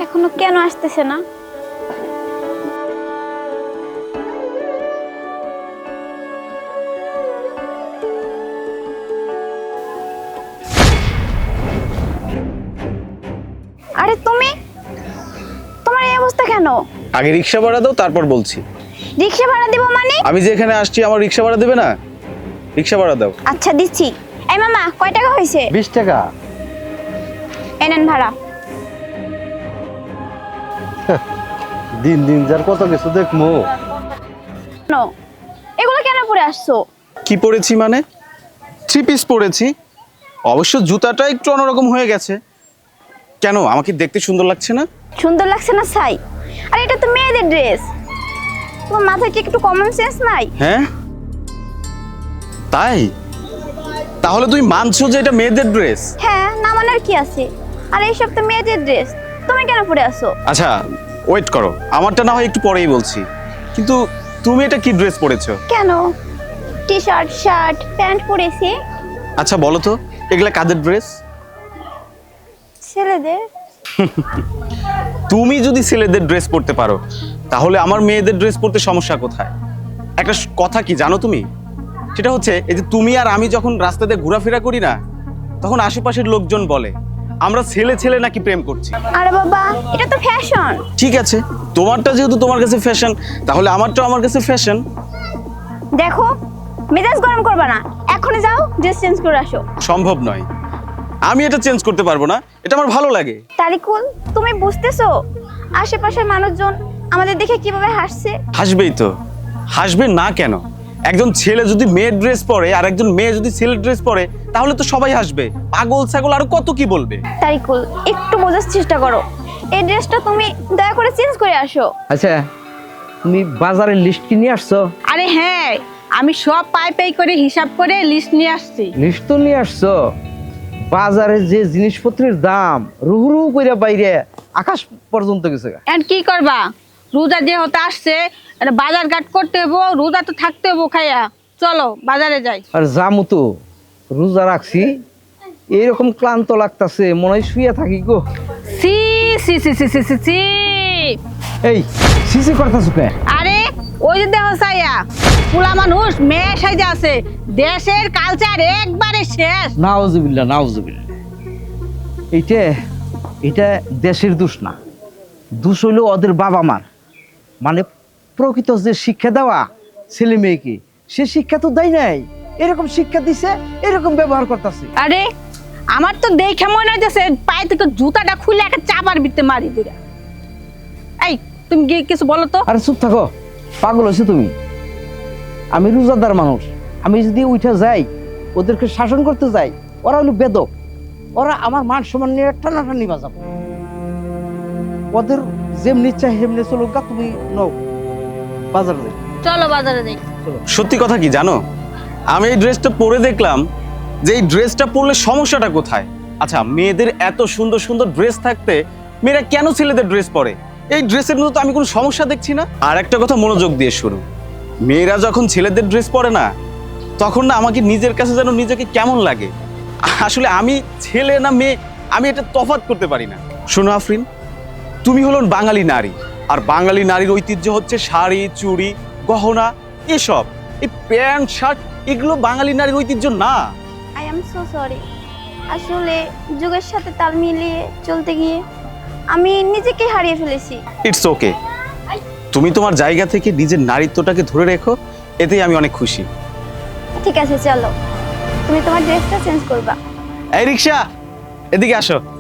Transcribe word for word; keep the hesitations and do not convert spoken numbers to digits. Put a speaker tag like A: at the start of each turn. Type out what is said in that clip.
A: এখনো কেন আসতেছে না? আরে তুমি, তোমার এই অবস্থা কেন?
B: আগে রিকশা ভাড়া দাও, তারপর বলছি।
A: রিকশা ভাড়া দিব মানে?
B: আমি যে এখানে আসছি আমার রিকশা ভাড়া দেবে না? রিকশা ভাড়া দাও।
A: আচ্ছা দিচ্ছি। এই মামা, কয় টাকা হয়েছে?
C: বিশ টাকা।
A: এনেন ভাড়া।
C: দিন দিন যার কত কিছু দেখমু।
A: নো, এগুলো কেন পরে আসছো?
B: কি পরেছি মানে? থ্রি পিস পরেছি। অবশ্য জুতাটা একটু অন্যরকম হয়ে গেছে। কেন, আমাকে দেখতে সুন্দর লাগছে না?
A: সুন্দর লাগছে না ছাই? আরে এটা তো মেয়েদের ড্রেস। তোমার মাথায় কি একটু কমন সেন্স নাই?
B: হ্যাঁ তাই? তাহলে তুই মানছো যে এটা মেয়েদের ড্রেস?
A: হ্যাঁ, না মানার কি আছে? আর এইসব তো মেয়েদের ড্রেস, তুমি কেন পরে আসো?
B: আচ্ছা ওয়েট করো, আমারটা না হয় একটু পরেই বলছি। কিন্তু তুমি এটা কি ড্রেস পরেছো?
A: কেন? টি শার্ট, শার্ট, প্যান্ট পরেছি।
B: আচ্ছা বলো তো, এগুলা কাদের ড্রেস?
A: ছেলেদের।
B: তুমি যদি ছেলেদের ড্রেস পরতে পারো তাহলে আমার মেয়েদের ড্রেস পরতে সমস্যা কোথায়? একটা স- কথা কি জানো তুমি? সেটা হচ্ছে এই যে তুমি আর আমি যখন রাস্তাতে ঘোরাফেরা করি না, তখন আশেপাশের লোকজন বলে আমরা ছেলে ছেলে নাকি প্রেম করছি।
A: আরে বাবা, এটা তো ফ্যাশন।
B: ঠিক আছে, তোমারটা যেহেতু তোমার কাছে ফ্যাশন, তাহলে আমারটাও আমার কাছে ফ্যাশন।
A: দেখো, মেজাজ গরম করবা না, এখনই যাও ড্রেস চেঞ্জ করে আসো।
B: সম্ভব নয়, আমি এটা চেঞ্জ করতে পারবো না, এটা আমার ভালো লাগে।
A: তারিকুল, তুমি বুঝতেছো আশেপাশের মানুষজন আমাদের দেখে কিভাবে হাসছে?
B: হাসবেই তো, হাসবে না কেন? একজন ছেলে যদি মেয়ের ড্রেস পরে আর একজন মেয়ে যদি ছেলের ড্রেস পরে তাহলে তো সবাই হাসবে। পাগল ছাগল আরো কত কি বলবে।
A: তারিকুল, একটু বোঝার চেষ্টা করো। এই ড্রেসটা তুমি দয়া করে চেঞ্জ করে আসো।
C: আচ্ছা, তুমি বাজারের লিস্ট কি নিয়ে আসছো?
D: আরে হ্যাঁ, আমি সব পাই পাই করে হিসাব করে লিস্ট নিয়ে আসছি।
C: লিস্ট তো নিয়ে আসছো। বাজারে যে জিনিসপত্রের দাম রুহু রুহু করে বাইরে আকাশ পর্যন্ত গেছে।
D: এন্ড কি করবা, রোজা যে হতে আসছে, একটা বাজার ঘাট করতে হবো, রোজা তো থাকতে হবো খাইয়া। চলো বাজারে যাই।
C: আর জামু তো রোজা রাখছি, এইরকম ক্লান্ত লাগতাছে, মনে হয় শুয়ে থাকি গো।
D: সি সি সি সি সি সি সি
C: এই সিসি করতাছো কে?
D: আরে ওই যে দেহ সাইয়া পুলা মানুষ মেয়ে সাইজে আছে, দেশের কালচার একবারে শেষ।
C: নাউজুবিল্লাহ নাউজুবিল্লাহ। এইটা এটা দেশের দোষ না, দোষ হইলো ওদের বাবা মার। মানে প্রকৃত যে শিক্ষা দেওয়া ছেলে মেয়েকে, সে শিক্ষা তো দেয় নাই। এরকম শিক্ষা দিছে, এরকম ব্যবহার করতেছে।
D: আরে আমার তো দেখে মনে হইতেছে পায়ে থেকে জুতাটা খুলে একটা চাপার ভিতরে মারি দিরা। এই তুমি কি কিছু বলো তো?
C: আরে চুপ থাকো, পাগল হয়েছো তুমি। আমি রোজাদার মানুষ, আমি যদি উঠে যাই ওদেরকে শাসন করতে যাই, ওরা হলো বেদক, ওরা আমার মান সম্মান নিয়ে টানাটানি বাজাবো। ওদের যেমনি চাই সেমনি চলুক গা, তুমি নও বাজারে যাই।
D: চলো বাজারে যাই।
B: সত্যি কথা কি জানো, আমি এই ড্রেসটা পরে দেখলাম যে এই ড্রেসটা পরলে সমস্যাটা কোথায়। আচ্ছা, মেয়েদের এত সুন্দর সুন্দর ড্রেস থাকতে মেয়েরা কেন ছেলেদের ড্রেস পরে? এই ড্রেসের মধ্যে তো আমি কোনো সমস্যা দেখছি না। আর একটা কথা মনোযোগ দিয়ে শুনো, মেয়েরা যখন ছেলেদের ড্রেস পরে না, তখন না আমাকে নিজের কাছে যেন নিজেকে কেমন লাগে। আসলে আমি ছেলে না মেয়ে আমি এটা তফাৎ করতে পারি না। শোনো আফরিন, তুমি হলো বাঙালি নারী, আর বাঙালি নারীর ঐতিহ্য হচ্ছে শাড়ি, চুড়ি, গহনা, এসব। এই প্যান্ট শার্ট এগুলো বাঙালি নারীর ঐতিহ্য না।
A: I am so sorry. আসলে যুগের সাথে তাল মিলিয়ে চলতে গিয়ে আমি নিজেকে হারিয়ে ফেলেছি।
B: ইটস ওকে, তুমি তোমার জায়গা থেকে নিজের নারীত্বটাকে ধরে রেখো, এতেই আমি অনেক খুশি।
A: ঠিক আছে, চলো তুমি তোমার ড্রেসটা চেঞ্জ করবা।
B: এই রিক্সা, এদিকে আসো।